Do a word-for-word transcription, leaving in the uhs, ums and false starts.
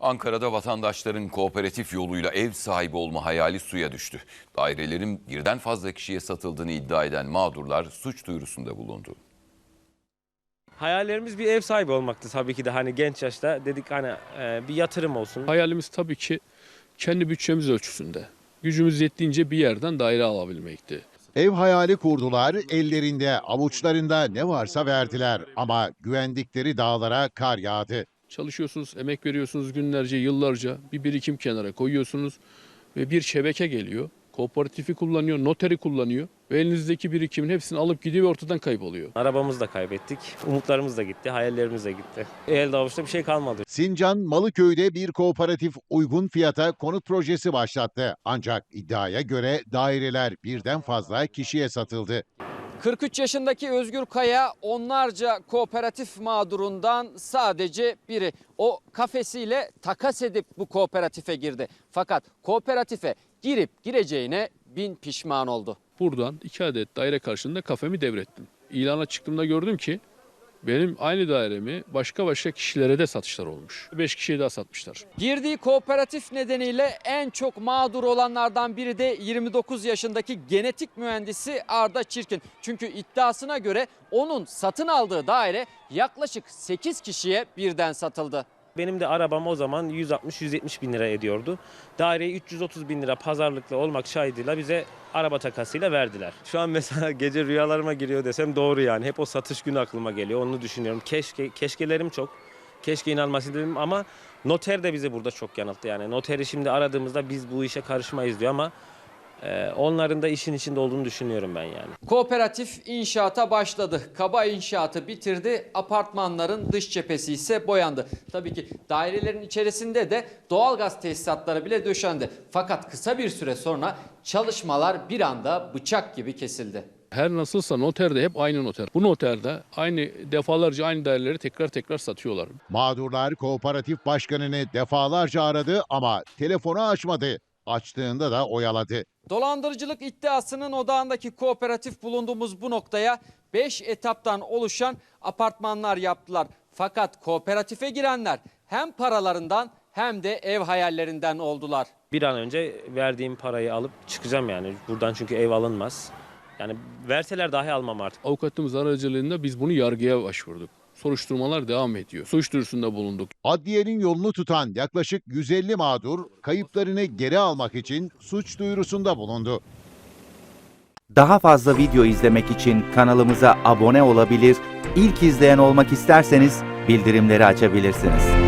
Ankara'da vatandaşların kooperatif yoluyla ev sahibi olma hayali suya düştü. Dairelerin birden fazla kişiye satıldığını iddia eden mağdurlar suç duyurusunda bulundu. Hayallerimiz bir ev sahibi olmaktı tabii ki de, hani genç yaşta dedik hani e, bir yatırım olsun. Hayalimiz tabii ki kendi bütçemiz ölçüsünde. Gücümüz yettiğince bir yerden daire alabilmekti. Ev hayali kurdular, ellerinde, avuçlarında ne varsa verdiler ama güvendikleri dağlara kar yağdı. Çalışıyorsunuz, emek veriyorsunuz günlerce, yıllarca bir birikim kenara koyuyorsunuz ve bir şebeke geliyor. Kooperatifi kullanıyor, noteri kullanıyor ve elinizdeki birikimin hepsini alıp gidiyor ve ortadan kayboluyor. Arabamızı da kaybettik, umutlarımız da gitti, hayallerimiz de gitti. Elde avuçta bir şey kalmadı. Sincan, Malıköy'de bir kooperatif uygun fiyata konut projesi başlattı. Ancak iddiaya göre daireler birden fazla kişiye satıldı. kırk üç yaşındaki Özgür Kaya onlarca kooperatif mağdurundan sadece biri. O kafesiyle takas edip bu kooperatife girdi. Fakat kooperatife girip gireceğine bin pişman oldu. Buradan iki adet daire karşılığında kafemi devrettim. İlana çıktığımda gördüm ki benim aynı dairemi başka başka kişilere de satışlar olmuş. beş kişiye daha satmışlar. Girdiği kooperatif nedeniyle en çok mağdur olanlardan biri de yirmi dokuz yaşındaki genetik mühendisi Arda Çirkin. Çünkü iddiasına göre onun satın aldığı daire yaklaşık sekiz kişiye birden satıldı. Benim de arabam o zaman yüz altmış yüz yetmiş bin lira ediyordu. Daireyi üç yüz otuz bin lira pazarlıklı olmak şahidiyla bize araba takasıyla verdiler. Şu an mesela gece rüyalarıma giriyor desem doğru yani. Hep o satış günü aklıma geliyor. Onu düşünüyorum. Keşke, keşkelerim çok. Keşke inanmasın dedim ama noter de bizi burada çok yanılttı. Yani noteri şimdi aradığımızda biz bu işe karışmayız diyor ama e, onların da işin içinde olduğunu düşünüyorum ben yani. Kooperatif inşaata başladı. Kaba inşaatı bitirdi. Apartmanların dış cephesi ise boyandı. Tabii ki dairelerin içerisinde de doğalgaz tesisatları bile döşendi. Fakat kısa bir süre sonra çalışmalar bir anda bıçak gibi kesildi. Her nasılsa noter de hep aynı noter. Bu noterde aynı defalarca aynı daireleri tekrar tekrar satıyorlar. Mağdurlar kooperatif başkanını defalarca aradı ama telefonu açmadı. Açtığında da oyaladı. Dolandırıcılık iddiasının odağındaki kooperatif bulunduğumuz bu noktaya beş etaptan oluşan apartmanlar yaptılar. Fakat kooperatife girenler hem paralarından hem de ev hayallerinden oldular. Bir an önce verdiğim parayı alıp çıkacağım yani. Buradan çünkü ev alınmaz. Yani verseler dahi almam artık. Avukatımız aracılığında biz bunu yargıya başvurduk. Soruşturmalar devam ediyor. Suç duyurusunda bulunduk. Adliyenin yolunu tutan yaklaşık yüz elli mağdur kayıplarını geri almak için suç duyurusunda bulundu. Daha fazla video izlemek için kanalımıza abone olabilir, ilk izleyen olmak isterseniz bildirimleri açabilirsiniz.